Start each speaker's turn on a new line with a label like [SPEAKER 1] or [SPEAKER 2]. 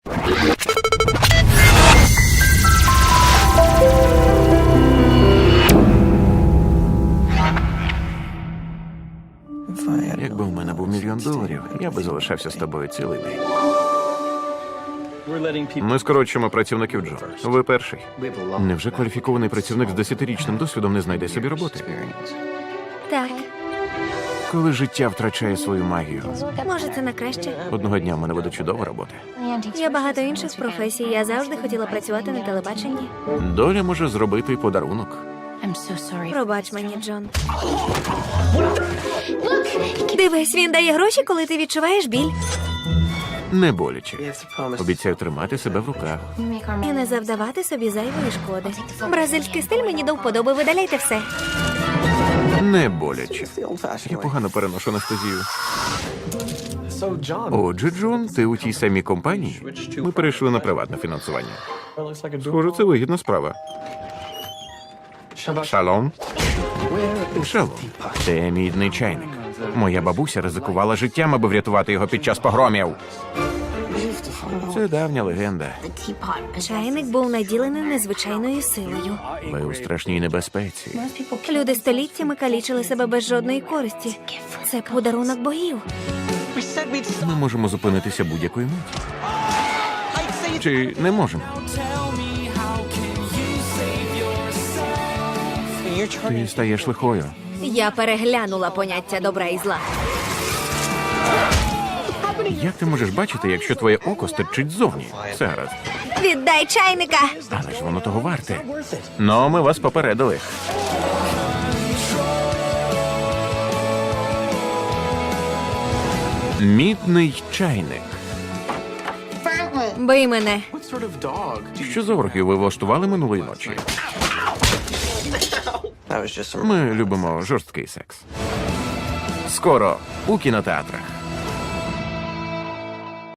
[SPEAKER 1] Якби у мене був $1 мільйон, я би залишався з тобою цілий день. Ми скорочуємо працівників, Джо. Ви перший. Невже кваліфікований працівник з 10-річним досвідом не знайде собі роботи?
[SPEAKER 2] Так,
[SPEAKER 1] Коли життя втрачає свою магію.
[SPEAKER 2] може, це на краще.
[SPEAKER 1] Одного дня в мене буде чудова робота.
[SPEAKER 2] Є багато інших професій. Я завжди хотіла працювати на телебаченні.
[SPEAKER 1] Доля може зробити подарунок.
[SPEAKER 2] Пробач мені, Джон. Дивись, він дає гроші, коли ти відчуваєш біль.
[SPEAKER 1] Не боляче. Обіцяю тримати себе в руках.
[SPEAKER 2] І не завдавати собі зайвої шкоди. Бразильський стиль мені до вподоби, видаляйте все.
[SPEAKER 1] Не боляче. Я погано переношу анестезію. Отже, Джон, ти у тій самій компанії? Ми перейшли на приватне фінансування. Схоже, це вигідна справа. Шалом. Шалом. Це мідний чайник. Моя бабуся ризикувала життям, аби врятувати його під час погромів. Це давня легенда.
[SPEAKER 2] Чайник був наділений незвичайною силою.
[SPEAKER 1] Ви у страшній небезпеці.
[SPEAKER 2] Люди століттями калічили себе без жодної користі. Це подарунок богів.
[SPEAKER 1] Ми можемо зупинитися будь-якої миті. Чи не можемо? Ти стаєш лихою.
[SPEAKER 2] Я переглянула поняття добра і зла.
[SPEAKER 1] Як ти можеш бачити, якщо твоє око стирчить ззовні? Все гаразд.
[SPEAKER 2] Віддай чайника!
[SPEAKER 1] Але ж воно того варте. Ну, ми вас попередили. Мідний чайник.
[SPEAKER 2] Бий мене.
[SPEAKER 1] Що за оргію ви влаштували минулої ночі? Ми любимо жорсткий секс. Скоро у кінотеатрах.